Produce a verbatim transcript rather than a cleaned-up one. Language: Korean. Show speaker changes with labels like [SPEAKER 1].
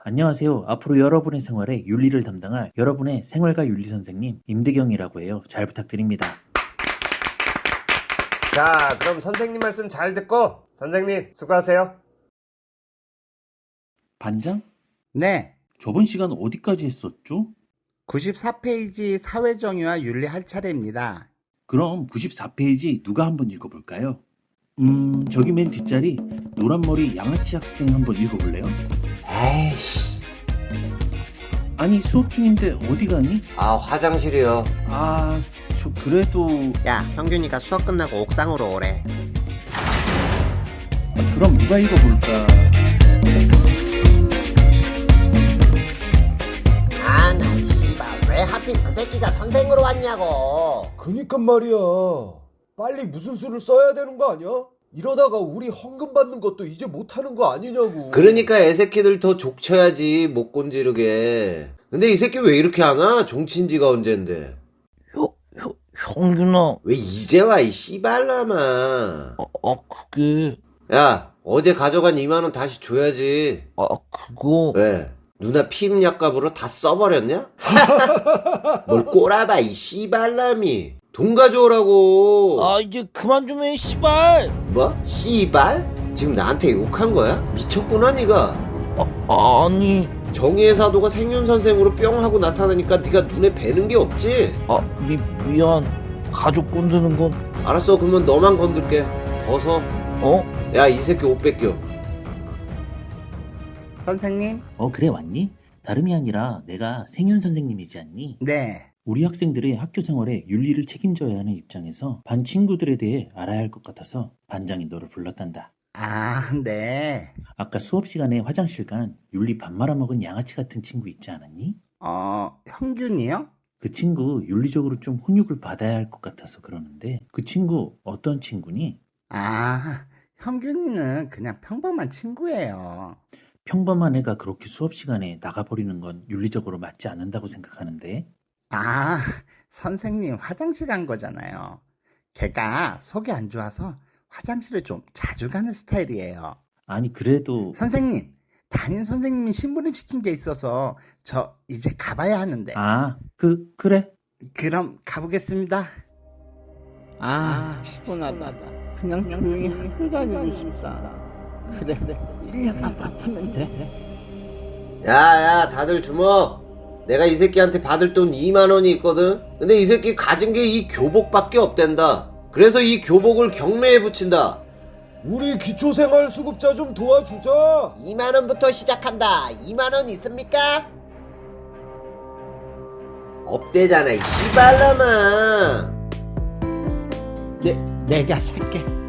[SPEAKER 1] 안녕하세요. 앞으로 여러분의 생활에 윤리를 담당할 여러분의 생활과 윤리 선생님 임대경이라고 해요. 잘 부탁드립니다.
[SPEAKER 2] 자, 그럼 선생님 말씀 잘 듣고 선생님 수고하세요.
[SPEAKER 1] 반장?
[SPEAKER 3] 네,
[SPEAKER 1] 저번 시간 어디까지 했었죠?
[SPEAKER 3] 구십사 페이지 사회정의와 윤리 할 차례입니다.
[SPEAKER 1] 그럼 구십사 페이지 누가 한번 읽어볼까요? 음, 저기 맨 뒷자리 노란머리 양아치 학생 한번 읽어볼래요?
[SPEAKER 2] 에이씨.
[SPEAKER 1] 아니 수업 중인데 어디 가니?
[SPEAKER 2] 아, 화장실이요.
[SPEAKER 1] 아, 저 그래도...
[SPEAKER 4] 야, 형균이가 수업 끝나고 옥상으로 오래.
[SPEAKER 1] 아, 그럼 누가 읽어볼까?
[SPEAKER 4] 아, 나 씨발 왜 하필 그 새끼가 선생으로 왔냐고.
[SPEAKER 5] 그니까 말이야. 빨리 무슨 수를 써야 되는 거 아니야? 이러다가 우리 헌금 받는 것도 이제 못하는 거 아니냐고.
[SPEAKER 6] 그러니까 애새끼들 더 족쳐야지 못 곤지르게. 근데 이 새끼 왜 이렇게 하나? 종친지가 언젠데.
[SPEAKER 7] 형, 형, 형균아,
[SPEAKER 6] 왜 이제 와 이 씨발라마.
[SPEAKER 7] 아, 아, 그게,
[SPEAKER 6] 야, 어제 가져간 이만 원 다시 줘야지.
[SPEAKER 7] 아, 그거,
[SPEAKER 6] 왜? 누나 피임약값으로 다 써버렸냐? 뭘 꼬라봐 이 씨발람이. 돈 가져오라고.
[SPEAKER 7] 아, 이제 그만 좀 해, 씨발!
[SPEAKER 6] 뭐? 씨발? 지금 나한테 욕한 거야? 미쳤구나 니가.
[SPEAKER 7] 아, 아니,
[SPEAKER 6] 정의의 사도가 생윤선생으로 뿅 하고 나타나니까 네가 눈에 뵈는 게 없지?
[SPEAKER 7] 아, 미, 미안. 가족 건드는 건,
[SPEAKER 6] 알았어, 그러면 너만 건들게. 벗어.
[SPEAKER 7] 어?
[SPEAKER 6] 야, 이 새끼 옷 뺏겨.
[SPEAKER 3] 선생님?
[SPEAKER 1] 어, 그래 왔니? 다름이 아니라 내가 생윤 선생님이지 않니?
[SPEAKER 3] 네.
[SPEAKER 1] 우리 학생들의 학교 생활에 윤리를 책임져야 하는 입장에서 반 친구들에 대해 알아야 할 것 같아서 반장이 너를 불렀단다.
[SPEAKER 3] 아, 네.
[SPEAKER 1] 아까 수업 시간에 화장실 간 윤리 밥 말아먹은 양아치 같은 친구 있지 않았니?
[SPEAKER 3] 어, 형균이요?
[SPEAKER 1] 그 친구 윤리적으로 좀 훈육을 받아야 할 것 같아서 그러는데 그 친구 어떤 친구니?
[SPEAKER 3] 아, 형균이는 그냥 평범한 친구예요.
[SPEAKER 1] 평범한 애가 그렇게 수업 시간에 나가버리는 건 윤리적으로 맞지 않는다고 생각하는데.
[SPEAKER 3] 아, 선생님 화장실 간 거잖아요. 걔가 속이 안 좋아서 화장실을 좀 자주 가는 스타일이에요.
[SPEAKER 1] 아니 그래도...
[SPEAKER 3] 선생님, 담임 선생님이 심부름 시킨 게 있어서 저 이제 가봐야 하는데.
[SPEAKER 1] 아, 그, 그래.
[SPEAKER 3] 그럼 가보겠습니다. 아, 피곤하다. 그냥 조용히 학교 다니고 싶다. 그래, 일 년만 버티면 돼.
[SPEAKER 6] 야, 야, 다들 주먹. 내가 이 새끼한테 받을 돈 이만 원이 있거든? 근데 이 새끼 가진 게 이 교복밖에 없댄다. 그래서 이 교복을 경매에 붙인다.
[SPEAKER 5] 우리 기초생활수급자 좀 도와주자.
[SPEAKER 4] 이만 원부터 시작한다. 이만 원 있습니까?
[SPEAKER 6] 없대잖아, 이 씨발라마.
[SPEAKER 3] 내, 내가 살게.